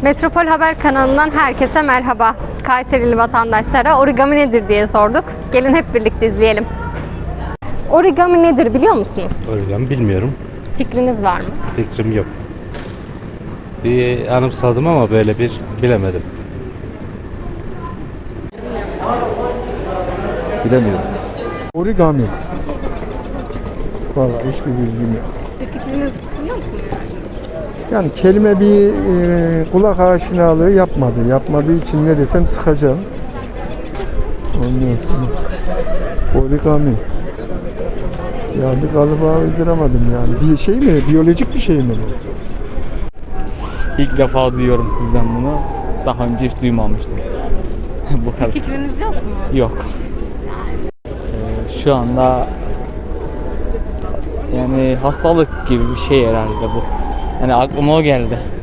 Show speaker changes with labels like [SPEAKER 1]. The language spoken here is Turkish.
[SPEAKER 1] Metropol Haber kanalından herkese merhaba. Kayserili vatandaşlara origami nedir diye sorduk. Gelin hep birlikte izleyelim. Origami nedir biliyor musunuz?
[SPEAKER 2] Origami bilmiyorum.
[SPEAKER 1] Fikriniz var mı?
[SPEAKER 2] Fikrim yok. Bir anımsadım ama böyle bir bilemedim.
[SPEAKER 3] Bilemiyorum.
[SPEAKER 4] Origami. Vallahi hiçbir bilgim yok.
[SPEAKER 1] Bir fikriniz biliyor musunuz?
[SPEAKER 4] Yani kelime bir kulak aşinalığı yapmadı. Yapmadığı için ne desem sıkacağım. Ondan sonra origami. Yani bir kalıba uyduramadım yani. Bir şey mi? Biyolojik bir şey mi?
[SPEAKER 3] İlk defa duyuyorum sizden bunu. Daha önce hiç duymamıştım. Bu kadar.
[SPEAKER 1] Fikriniz yok mu?
[SPEAKER 3] Yok. Şu anda yani hastalık gibi bir şey herhalde bu. Yani aklıma o geldi.